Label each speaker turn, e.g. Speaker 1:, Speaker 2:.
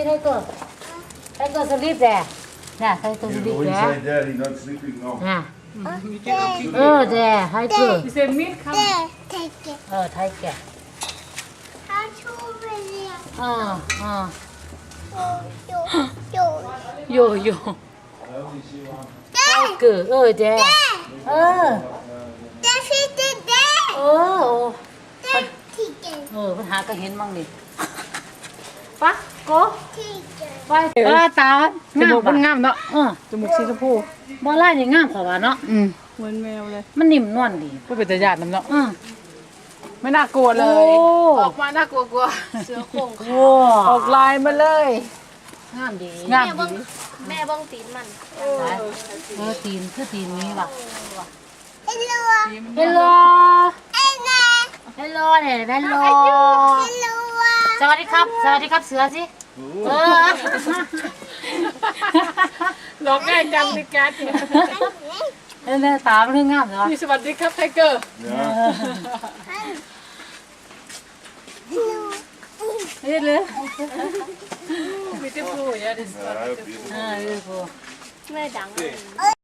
Speaker 1: Tiger. Tiger sleep there. Nè, Tiger sleep
Speaker 2: He's
Speaker 1: there.
Speaker 2: inside there, he's not sleeping now.
Speaker 1: Nè.
Speaker 3: You can open
Speaker 1: There, Tiger.
Speaker 3: You say meat come
Speaker 4: Take it.
Speaker 1: Tiger.
Speaker 4: How to really
Speaker 1: Yo, yo.
Speaker 4: There.
Speaker 1: Tiger, there.
Speaker 4: There is the there. There. Take it.
Speaker 1: ปัญหาก็เห็นมั่งนี่ปะโก
Speaker 4: Take it.
Speaker 1: ไปตา
Speaker 3: จมูกมันงามเนาะ
Speaker 1: เออ
Speaker 3: จมูกสีชมพู
Speaker 1: บ่ไล่นี่งามเขาว่าเนาะ
Speaker 3: เหมือนแมวเลย
Speaker 1: มันนิ่มนวลดี
Speaker 3: ก็เป็นตาญาติน้ำเนาะ
Speaker 1: อือ
Speaker 3: ไม่น่ากลัวเลย
Speaker 1: โอ้
Speaker 3: ออกมาน่ากลัวกลัว
Speaker 5: เสือโคร่ง
Speaker 1: ว้า
Speaker 3: ออกลายมาเลย
Speaker 1: งามดี
Speaker 3: งาม
Speaker 5: แม่บ้องตีนมัน
Speaker 1: ตีนคือตีนนี้ว่ะ
Speaker 4: Hello.
Speaker 1: เฮลโล
Speaker 4: Hello.
Speaker 1: เฮลโลเนี่ยเฮลโล
Speaker 4: Hello.
Speaker 1: สวัสดีครับเสือสิเออ
Speaker 3: หลอกง่ายจังในการ
Speaker 1: เนี่ยตามันคืองามเหรอ
Speaker 3: มีสวัสดีครับไทเกอร์
Speaker 2: Yeah.
Speaker 1: เฮ้ยเลย
Speaker 3: มีที่พูดอย่างนี้
Speaker 2: Yeah, beautiful.
Speaker 1: เออ
Speaker 5: แม่ดังเลย